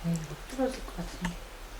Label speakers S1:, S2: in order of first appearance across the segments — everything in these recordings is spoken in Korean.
S1: 부러질 것 같은데.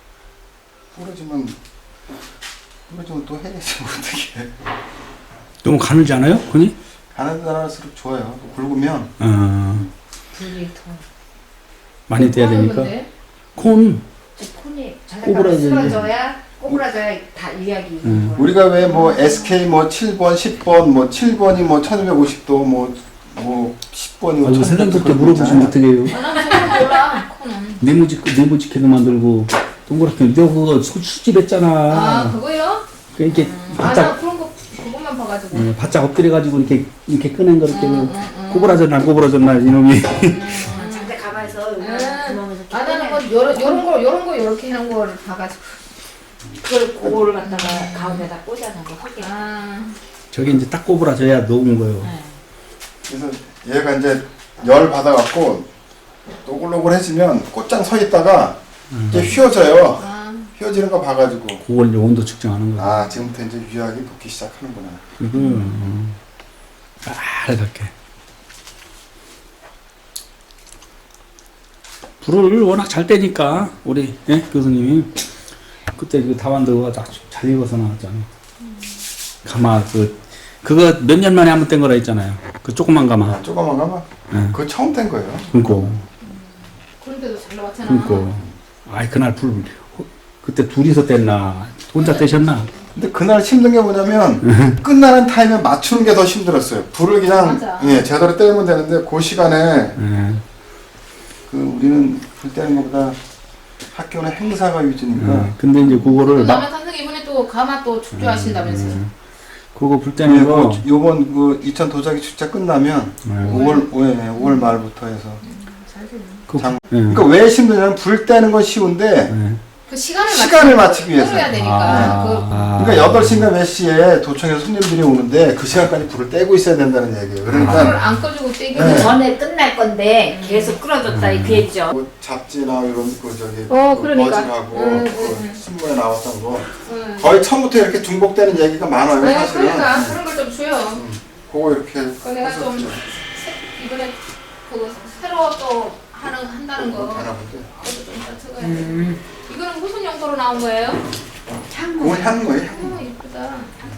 S2: 부러지면 또 해야지 어떻게.
S3: 너무 가늘지 않아요? 그니?
S2: 가느다랄수록 좋아요. 굵으면
S1: 불이 더.
S3: 많이 떼야 되니까.
S1: 근데?
S3: 콘.
S1: 콘이
S3: 꼬부라져야
S1: 꼬부라져야 다 이야기.
S2: 우리가 왜 뭐 SK 뭐 7번, 10번, 뭐 7번이 뭐 1250도 뭐 10번이
S3: 아이고 선생님들께 물어보시면 어떻게 해요?
S1: 나는 정말 몰라. 콘은.
S3: 네모지게도 만들고 동그랗게 너 그거 수집했잖아.
S1: 아 그거요?
S3: 이렇게
S1: 나
S3: 바짝
S1: 그런 거 그것만 봐가지고.
S3: 바짝 엎드려가지고 이렇게 꺼낸 거 이렇게 꼬부라졌나 이놈이.
S4: 장대 가마에서 구멍에서
S1: 아 나는 뭐 요런 거 요렇게 하는 거를 봐가지고.
S4: 그걸 갖다가 가운데다 꽂아놓은 거 헛개.
S3: 저게 이제 딱 꼬부라져야 녹은 거예요.
S2: 그래서 얘가 이제 열 받아갖고 노글노글해지면 꽃장 서 있다가 이게 휘어져요. 휘어지는 거 봐가지고
S3: 그걸 이제 온도 측정하는 거예요.
S2: 아 지금부터 이제 유약이 녹기 시작하는구나.
S3: 그리고 빨갛게. 불을 워낙 잘 떼니까 우리 교수님이 그때 그 다완도가 잘 익어서 나왔잖아. 가마 그거 몇 년 만에 한번 뗀 거라 했잖아요. 그 조그만 가마.
S2: 아, 조그만 가마? 그거 처음 뗀 거예요.
S3: 그니까.
S1: 그런데도 잘 나왔잖아.
S3: 그니까. 아이 그날 불 그때 둘이서 뗐나 혼자 떼셨나?
S2: 근데 그날 힘든 게 뭐냐면 끝나는 타임에 맞추는 게 더 힘들었어요. 불을 그냥 제대로 떼면 되는데 그 시간에 그 우리는 불 떼는 것보다 학교는 행사가 위주니까.
S3: 근데 이제 그거를
S1: 그다음에 선생님 이번에 또 가마 또 축조하신다면서요?
S3: 그거 불 떼는 거
S2: 요번 그 이천 도자기 축제 끝나면 5월 말부터 해서. 그러니까 왜 힘드냐면 불 떼는 건 쉬운데
S1: 그
S2: 시간을 맞추기 위해서.
S1: 해야 되니까.
S2: 그러니까 8시인가 몇 시에 도청에서 손님들이 오는데 그 시간까지 불을 떼고 있어야 된다는 얘기예요.
S1: 불을
S2: 그러니까
S1: 안 꺼주고 떼기
S4: 전에 끝날 건데 계속 끌어줬다 이 얘기죠.
S2: 뭐 잡지나 이런 그 저기
S1: 그러니까.
S2: 머지하고 그 신문에 나왔던 거 거의 처음부터 이렇게 중복되는 얘기가 많아요. 사실은.
S1: 그러니까 그런 걸 좀 줘요.
S2: 그거 이렇게
S1: 내가 좀 이번에 그거 새로 또 한다는 거.
S2: 하나 본데.
S1: 그것도 좀 이따 찍어야 돼. 이거는 무슨 용도로 나온 거예요?
S2: 그건 향 거예요. 향.
S1: 이쁘다.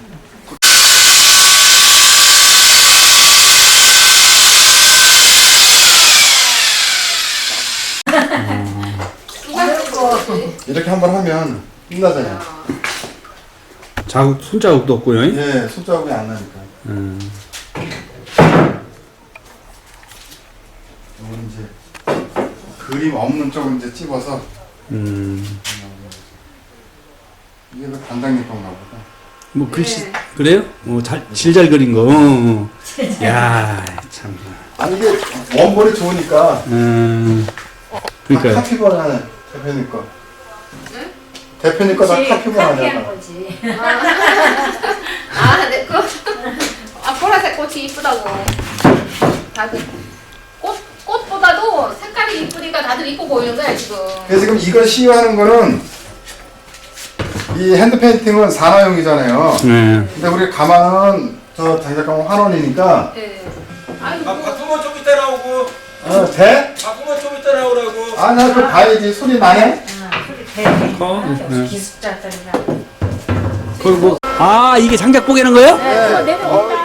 S2: 이렇게 한번 하면 끝나잖아요.
S3: 손자국도 없고요.
S2: 예, 손자국이 안 나니까. 이건 이제 그림 없는 쪽을 이제 찝어서. 이게 그 단장님 건가 보다.
S3: 뭐 글씨 그래요? 잘 그린 거. 야 참.
S2: 아니 이게 원본이 좋으니까.
S3: 그러니까.
S2: 카피본 하네 대표님 거. 응? 대표님 거 다 카피본 하냐.
S4: 거지.
S1: 내 거. 보라색 꽃이 이쁘다고. 다들 꽃보다도 색깔이 이쁘니까 다들 이뻐 보이는 거야 지금.
S2: 그래서 지금 이걸 시유하는 거는 이 핸드 페인팅은 산화용이잖아요. 근데 우리 가마는 저 장작가마 환원이니까.
S1: 네.
S5: 바꾸면 좀 이따 나오고.
S2: 돼?
S5: 바꾸면 좀 이따 나오라고.
S2: 아, 나 그거 봐야지. 소리 나네?
S4: 소리 기숙자들이라.
S3: 그리고 이게 장작 뽀개는 거예요?
S4: 내려온다.